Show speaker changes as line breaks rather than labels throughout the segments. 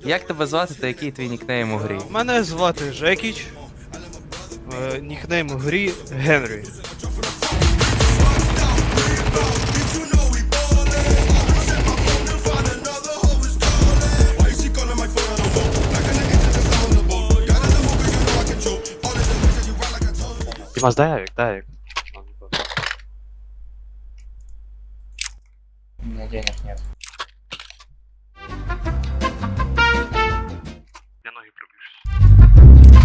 Як тебе звати та який твій нікнейм у грі?
Мене звати Жекіч. Нікнейм у грі Генрі.
Димас, дай авик, дай авик.
У меня денег нет.
Я ноги приближусь.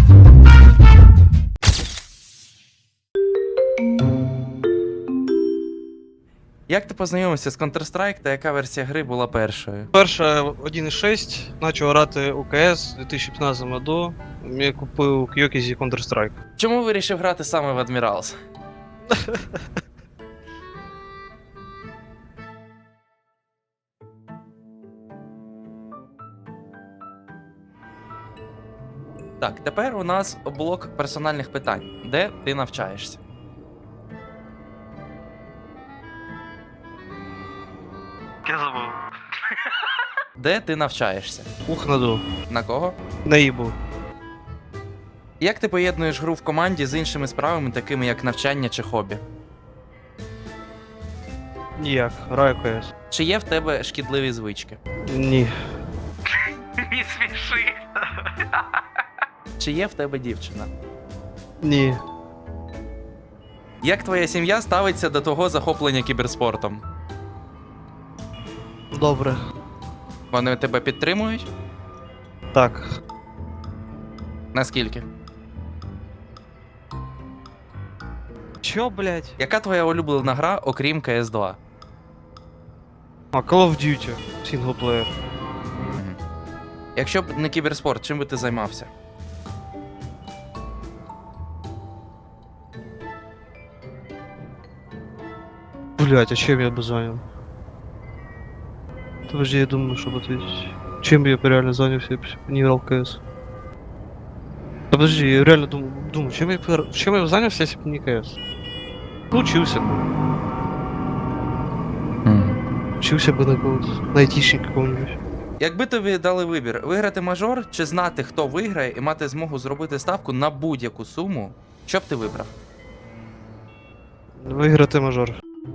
Як ти познайомився з Counter-Strike та яка версія гри була першою?
Перша 1.6, почав грати у КС у 2015 году. Я купив Кьокізі Counter-Strike.
Чому вирішив грати саме в Admirals? Так, тепер у нас блок персональних питань. Де ти навчаєшся?
Я забыл.
Де ти навчаєшся?
Ухнаду.
На кого?
Наїбу.
Як ти поєднуєш гру в команді з іншими справами, такими як навчання чи хобі?
Ніяк. Граю КС.
Чи є в тебе шкідливі звички?
Ні.
Не смеши.
Чи є в тебе дівчина?
Ні.
Як твоя сім'я ставиться до того захоплення кіберспортом?
Добре.
Вони тебе підтримують?
Так.
Наскільки?
Чо, блять?
Яка твоя улюблена гра, окрім CS 2?
А, Call of Duty. Сінглплеєр.
Якщо б не кіберспорт, чим би ти займався?
Блять, а чем я бы занял? Подожди, я думаю, чтобы ответить. Чем бы я бы реально занялся, если бы не играл в КС? Да подожди, я реально думаю, чем я бы занялся, если бы не КС? Ну, учился бы. Учился бы на какого-то, на айтишника какого-нибудь.
Якби тобі дали вибір, виграти мажор чи знати, хто виграє, і мати змогу зробити ставку на будь-яку суму, що б ти вибрав?
Виграти мажор.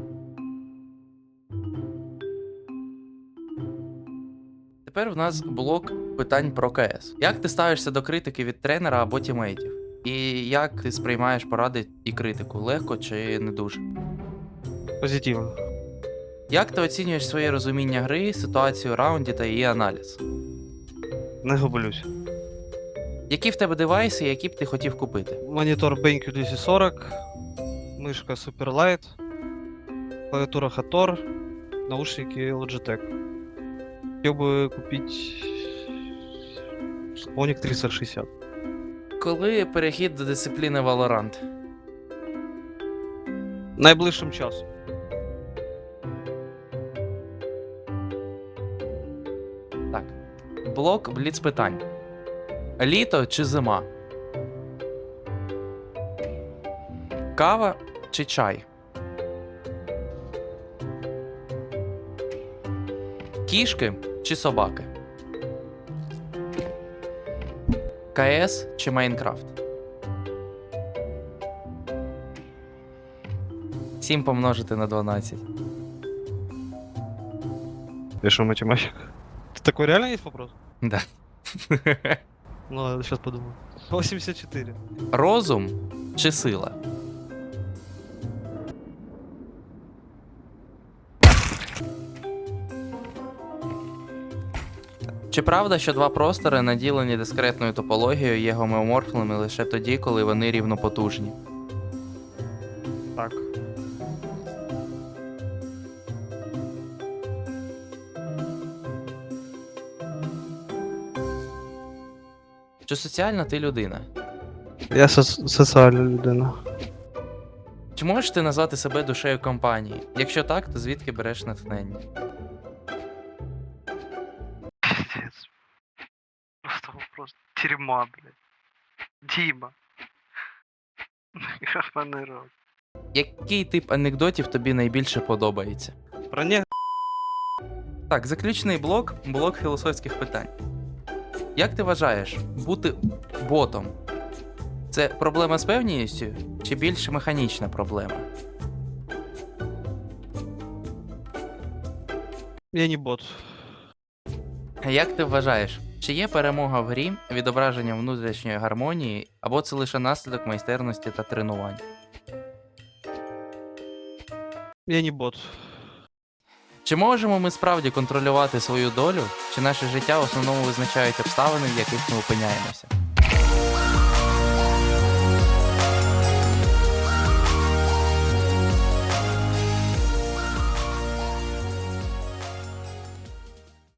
Тепер в нас блок питань про КС. Як ти ставишся до критики від тренера або тімейтів? І як ти сприймаєш поради і критику? Легко чи не дуже?
Позитивно.
Як ти оцінюєш своє розуміння гри, ситуацію у раунді та її аналіз?
Не гублюсь.
Які в тебе девайси, які б ти хотів купити?
Монитор BenQ 240, мышка Superlight, клавиатура Hator, наушники Logitech. Хотел бы купить Sonic 360.
Коли перехід до дисципліни Valorant?
Найближчим часом.
Так. Блок бліц питань. Літо чи зима? Кава чи чай? Кішки чи собаки? КС чи Майнкрафт? 7 помножити на 12.
Ты что, математик? Ты такой реально есть вопрос?
Да.
Ну ладно, сейчас подумаю. 84.
Розум чи сила? Чи правда, що два простори, наділені дискретною топологією, є гомеоморфними лише тоді, коли вони рівнопотужні?
Так.
Чи соціальна ти людина?
Я соціальна людина.
Чи можеш ти назвати себе душею компанії? Якщо так, то звідки береш натхнення?
Пиздец. Просто вопрос. Тюрьма, блядь. Дима. Графаный рот.
Який тип анекдотів тобі найбільше подобається?
Про не...
Так, заключний блок філософських питань. Як ти вважаєш, бути ботом це проблема з певністю чи більш механічна проблема?
Я не бот.
Як ти вважаєш, чи є перемога в грі відображенням внутрішньої гармонії, або це лише наслідок майстерності та тренувань?
Я не бот.
Чи можемо ми справді контролювати свою долю, чи наше життя в основному визначають обставини, в яких ми опиняємося?